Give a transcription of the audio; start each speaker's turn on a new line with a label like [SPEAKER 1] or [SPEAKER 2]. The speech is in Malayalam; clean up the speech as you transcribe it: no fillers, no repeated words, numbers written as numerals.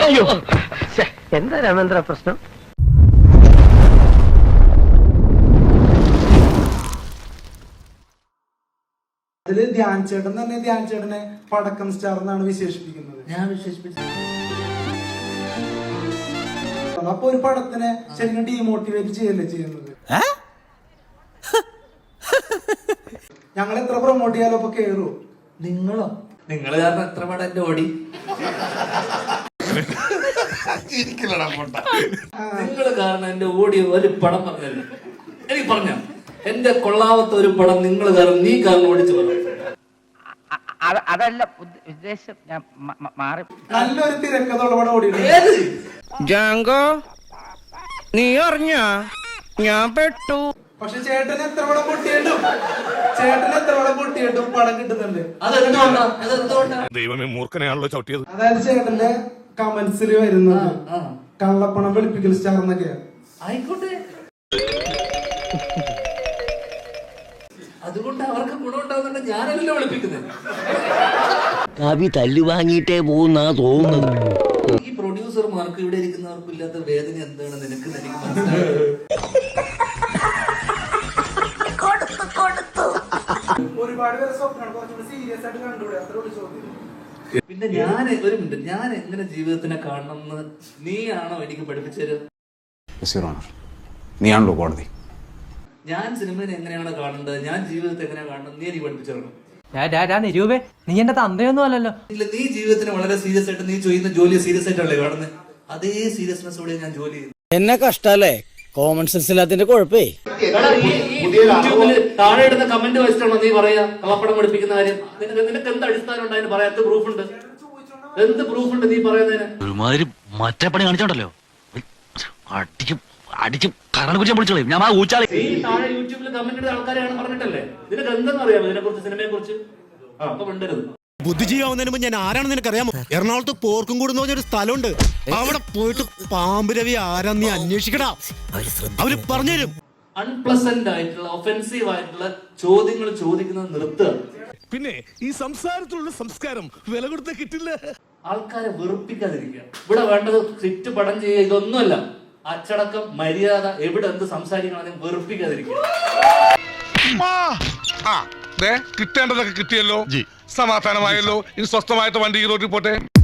[SPEAKER 1] എന്താ രാമേന്ദ്ര പ്രശ്നം?
[SPEAKER 2] അതില് ധ്യാൻ ചേട്ടൻ തന്നെ ധ്യാൻ ചേട്ടനെ പടക്കം സ്റ്റാർ എന്നാണ് വിശേഷിപ്പിക്കുന്നത്.
[SPEAKER 3] ഞാൻ വിശേഷിപ്പിച്ചു.
[SPEAKER 2] അപ്പൊ ഒരു പടത്തിനെ ശരിക്കും ഡീമോട്ടിവേറ്റ് ചെയ്യല്ലേ ചെയ്യുന്നത്. ഞങ്ങൾ എത്ര പ്രൊമോട്ട് ചെയ്യാലോ അപ്പൊ കേറുവോ?
[SPEAKER 3] നിങ്ങളോ? നിങ്ങൾ കാരണം എത്ര പടം എന്റെ ഓടി. നിങ്ങൾ കാരണം എന്റെ ഓടി ഒരു പടം പറഞ്ഞല്ലോ. എനിക്ക് പറഞ്ഞ എന്റെ കൊള്ളാവത്ത ഒരു പടം നിങ്ങൾ കാരണം നീ കാരണം ഓടിച്ചു പറഞ്ഞു.
[SPEAKER 1] അതല്ല ഉദ്ദേശം, ഞാൻ മാറി.
[SPEAKER 2] നല്ലൊരു തിരക്കഥയുള്ള പടം ഓടിയിട്ടുണ്ട്.
[SPEAKER 4] ജാങ്കോ, നീ അറിഞ്ഞ ഞാൻ പെട്ടു.
[SPEAKER 2] പക്ഷെ ചേട്ടൻ എത്ര പടം പൊട്ടിയിട്ടും പടം കിട്ടുന്നുണ്ട്.
[SPEAKER 5] ദൈവമേ, മൂർഖനെയാണല്ലോ ചവിട്ടിയത്.
[SPEAKER 2] അതായത് ചേട്ടന്റെ കമന്റ്സിൽ വരുന്നത് കള്ളപ്പണം വെളുപ്പിക്കൽ സ്റ്റാർ എന്നൊക്കെയാണ്.
[SPEAKER 3] ആയിക്കോട്ടെ, അതുകൊണ്ട് അവർക്ക് ഗുണമുണ്ടാകുന്നുണ്ട്. ഞാനല്ലോ വിളിപ്പിക്കുന്നത്.
[SPEAKER 6] കവി തല്ലു വാങ്ങിയിട്ടേ പോകുന്നാ തോന്നുന്നത്.
[SPEAKER 3] ഈ പ്രൊഡ്യൂസർമാർക്ക് ഇവിടെ ഇരിക്കുന്നവർക്കും ഇല്ലാത്ത വേദന എന്താണെന്ന് എനിക്ക് മനസ്സിലായി.
[SPEAKER 2] ഒരുപാട് പേര് സ്വപ്നം കുറച്ചുകൂടി സീരിയസ് ആയിട്ട് കണ്ടുകൂടെ? അത്രയോട് ചോദ്യം.
[SPEAKER 3] പിന്നെ ഞാൻ ഒരു മിനിറ്റ്, ഞാൻ എങ്ങനെ ജീവിതത്തിനെ കാണണം എന്ന് നീയാണോ എനിക്ക് പഠിപ്പിച്ചത്?
[SPEAKER 7] നീയാണല്ലോ കോടതി.
[SPEAKER 3] ഞാൻ സിനിമയെ എങ്ങനെയാണ് കാണേണ്ടത്, ഞാൻ ജീവിതത്തെ എങ്ങനെയാണ് കാണുന്നത്, നീ എനിക്ക് പഠിപ്പിച്ചു തരണം.
[SPEAKER 8] നിരൂപേ, നീ എന്റെ തന്തയൊന്നും അല്ലല്ലോ.
[SPEAKER 3] ഇല്ല, നീ ജീവിതത്തിന് വളരെ സീരിയസ് ആയിട്ട്, നീ ചെയ്യുന്ന ജോലി സീരിയസ് ആയിട്ടല്ലേ കാണുന്നത്. അതേ സീരിയസ്നെസ്സോടെ ഞാൻ ജോലി ചെയ്യുന്നു.
[SPEAKER 6] എന്നെ കഷ്ടല്ലേ, കോമൺ സെൻസ് ഇല്ലാത്തിന്റെ കുഴപ്പേ.
[SPEAKER 3] യൂട്യൂബില് താഴെ ഇടുന്ന കമന്റ് വെച്ചിട്ടാണോ നീ പറയാ കള്ളപ്പടം പഠിപ്പിക്കുന്ന കാര്യം? നിനക്ക് എന്ത് അടിസ്ഥാനം ഉണ്ട് അതിന് പറയാൻ? എന്ത് പ്രൂഫ് ഉണ്ട്? എന്ത് പ്രൂഫ് ഉണ്ട് നീ പറയുന്നതിന്?
[SPEAKER 6] ഒരുമാതിരി മറ്റേ പണി കാണിച്ചോണ്ടല്ലോ, അടിക്കും കറണ്ട് കുറിച്ച് വിളിച്ചോളൂ. ഞാൻ ആ ഊച്ചാളി.
[SPEAKER 3] ഈ താഴെ യൂട്യൂബിൽ കമന്റ് ഇടുന്ന ആൾക്കാരെയാണ് പറഞ്ഞിട്ടല്ലേ. നിനക്ക് എന്തെന്ന് അറിയാമോ ഇതിനെ കുറിച്ച്, സിനിമയെ കുറിച്ച്? അപ്പൊ മിണ്ടരുത്.
[SPEAKER 9] ബുദ്ധിജീവാവുന്നതിന് മുമ്പ് ഞാൻ ആരാണെന്ന് നിനക്കറിയാമോ? എറണാകുളത്ത് പോർക്കും കൂടുന്ന പറഞ്ഞൊരു സ്ഥലമുണ്ട്. അവിടെ പോയിട്ട് പാമ്പ് രവി ആരാന്ന് നീ അന്വേഷിക്കടാ, അവര് പറഞ്ഞുതരും.
[SPEAKER 3] അൺപ്ലസന്റ് ആയിട്ടുള്ള ഒഫെൻസീവ് ആയിട്ടുള്ള ചോദ്യങ്ങൾ ചോദിക്കുന്നത് നിർത്തുക.
[SPEAKER 5] പിന്നെ ഈ സംസാരത്തിലുള്ള സംസ്കാരം വില കൊടുത്ത കിട്ടില്ല.
[SPEAKER 3] ആൾക്കാരെ വെറുപ്പിക്കാതിരിക്കുക. ഇവിടെ വേണ്ടത് സ്ക്രിപ്റ്റ് പടം ചെയ്യുക, ഇതൊന്നുമല്ല. അച്ചടക്കം, മര്യാദ, എവിടെ എന്ത് സംസാരിക്കണമെന്നും വെറുപ്പിക്കാതിരിക്കുക.
[SPEAKER 5] കിട്ടേണ്ടതൊക്കെ കിട്ടിയല്ലോ, സമാധാനമായല്ലോ. ഇനി സ്വസ്ഥമായിട്ട് വണ്ടി ഈ റോഡിൽ പോട്ടെ.